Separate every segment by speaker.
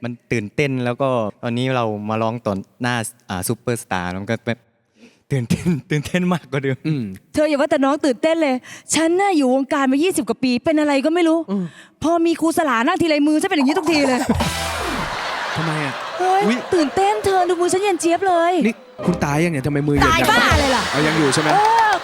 Speaker 1: มันตื่นเต้นแล้วก็ตอนนี้เรามาร้องต่อหน้าซูเปอร์สตาร์มันก็แบบตื่นเต้นมากกว่าเดิม
Speaker 2: เธออย่าว่าแต่น้องตื่นเต้นเลยฉันน่ะอยู่วงการมา20 กว่าปีเป็นอะไรก็ไม่รู้พอมีครูสลานั่งทีไรมือฉันเป็นอย่างนี้ทุกทีเลย
Speaker 3: ทำไมอ่ะ
Speaker 2: เฮ้ย
Speaker 3: อุ๊ย
Speaker 2: ตื่นเต้นเธอดูมือฉันเย็นเจี๊ยบเลย
Speaker 3: นี่คุณตายยังเนี่ยทำไมมือเย็น
Speaker 2: ตาย
Speaker 3: จัง
Speaker 2: บ้าเลยล่ะ
Speaker 3: เอายังอยู่ใช่ไหม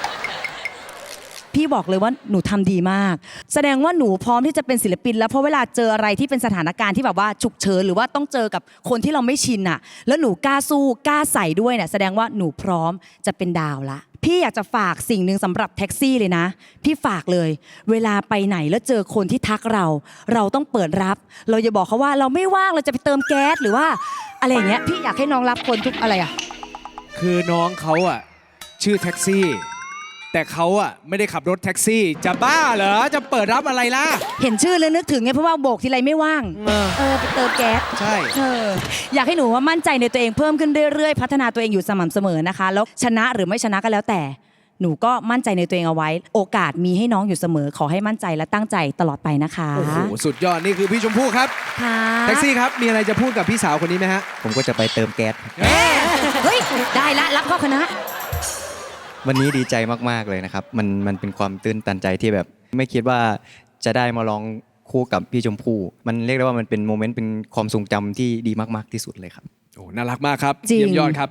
Speaker 2: พี่บอกเลยว่าหนูทำดีมาก แสดงว่าหนูพร้อมที่จะเป็นศิลปินแล้วเพราะเวลาเจออะไรที่เป็นสถานการณ์ที่แบบว่าฉุกเฉินหรือว่าต้องเจอกับคนที่เราไม่ชินน่ะแล้วหนูกล้าสู้กล้าใส่ด้วยเนี่ยแสดงว่าหนูพร้อมจะเป็นดาวละพี่อยากจะฝากสิ่งหนึ่งสำหรับแท็กซี่เลยนะพี่ฝากเลย เวลาไปไหนแล้วเจอคนที่ทักเราต้องเปิดรับ เราอย่าบอกเขาว่าเราไม่ว่างเราจะไปเติมแก๊สหรือว่าอะไรอย่างเงี้ยพี่อยากให้น้องรับคนทุกอะไรอะ
Speaker 3: คือน้องเขาอ่ะชื่อแท็กซี่ แต่เขาอ่ะไม่ได้ขับรถแท็กซี่ จะบ้าเหรอจะเปิดรับอะไรล่ะ
Speaker 2: เห็นชื่อแล้วนึกถึงไงเพราะว่าโบกทีไรไม่ว่าง ไปเติมแก๊ส
Speaker 3: ใช่
Speaker 2: อยากให้หนูว่ามั่นใจในตัวเองเพิ่มขึ้นเรื่อยๆพัฒนาตัวเองอยู่สม่ำเสมอนะคะแล้วชนะหรือไม่ชนะก็แล้วแต่หนูก็มั่นใจในตัวเองเอาไว้ โอกาสมีให้น้องอยู่เสมอขอให้มั่นใจและตั้งใจตลอดไปนะคะ
Speaker 3: โอ้โหสุดยอดนี่คือพี่ชมพู่ครับ
Speaker 2: ค่ะ
Speaker 3: แท็กซี่ครับมีอะไรจะพูดกับพี่สาวคนนี้ไหมฮะ
Speaker 1: ผมก็จะไปเติมแก๊ส
Speaker 2: เฮ้ยได้ละรับเข้าคณะ
Speaker 1: วันนี้ดีใจมากๆเลยนะครับมันเป็นความตื้นตันใจที่แบบไม่คิดว่าจะได้มาร้องคู่กับพี่ชมพู่มันเรียกได้ว่ามันเป็นโมเมนต์เป็นความทรงจำที่ดีมากๆที่สุดเลยครับ
Speaker 3: โอ้น่ารักมากครับ
Speaker 2: จริง
Speaker 3: เยี่ยมยอดครับ